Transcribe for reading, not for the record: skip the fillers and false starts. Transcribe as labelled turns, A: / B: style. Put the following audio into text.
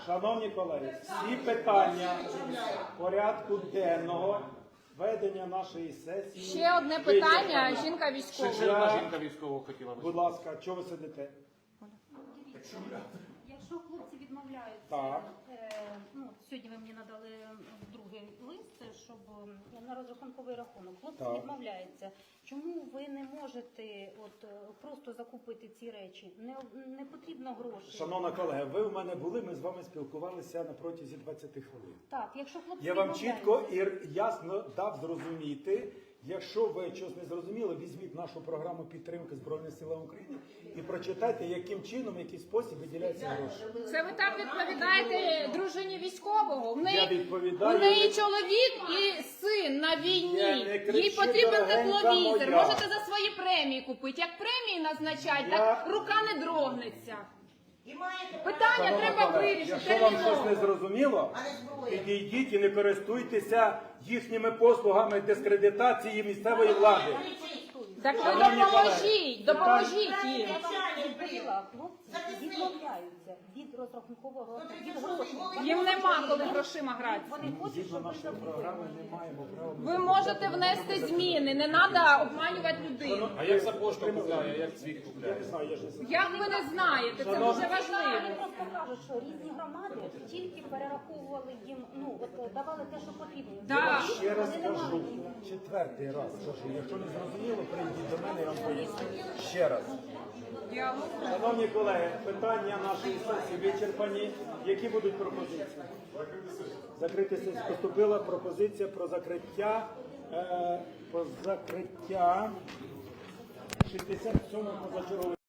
A: Шановні колеги, всі питання порядку денного ведення нашої сесії.
B: Ще одне питання. Жінка військова.
C: Жінка військова хотіла.
A: Будь ласка, чого ви сидите?
D: Якщо хлопці відмовляються,
A: Так.
D: сьогодні ви мені надали другий лист, щоб на розрахунковий рахунок. Хлопці
A: Так.
D: відмовляються. Чому ви не можете просто закупити ці речі? Не потрібно грошей.
A: Шановна колега, ви у мене були, ми з вами спілкувалися на протязі 20 хвилин.
D: Так, якщо хлопці
A: Я вам
D: відмовляються.
A: чітко і ясно дав зрозуміти, якщо ви щось не зрозуміли, візьміть нашу програму підтримки Збройних сил України і прочитайте, яким чином, в який спосіб виділяються гроші.
B: Це ви так відповідаєте дружині військового? В
A: Я відповідаю.
B: у неї чоловік і син на війні.
A: Я не кричу,
B: Їй потрібен
A: дорогенька
B: тепловізор.
A: моя.
B: Можете за свої премії купити. Як премії назначать,
A: Я-
B: так рука не дрогнеться. Питання
A: Шановна
B: треба
A: колега,
B: вирішити.
A: якщо вам щось не
B: терміново.
A: зрозуміло, підійдіть і не користуйтеся їхніми послугами дискредитації місцевої влади.
B: Так ви
A: Шановні
B: допоможіть,
A: колеги,
B: допоможіть їм.
D: Я вам відповіла, хлопці відмовляються від розрахункового від грошей.
B: Їм нема коли грошима грати.
D: Вони хочуть,
A: Згідно
D: щоб ви
A: нашої
D: закупили.
A: програми не маємо права.
B: Ви можете внести зміни, не треба обманювати людину.
C: А як за пошту купляє, як цвіт
A: Я
C: купляє?
A: не знаю, я ж не знаю.
B: Як ви не знаєте, це дуже
D: Вони
B: важливо.
D: просто кажуть, що різні громади тільки перераховували їм, давали те, що потрібно.
B: Да.
A: Ще раз кажу, четвертий раз кажу, якщо не зрозуміло, прийдіть до мене, я вам поясню. Ще раз. Шановні колеги, питання нашої сесії вичерпані. Які будуть пропозиції? Закрити сесію. Поступила пропозиція про закриття 67-го позачергової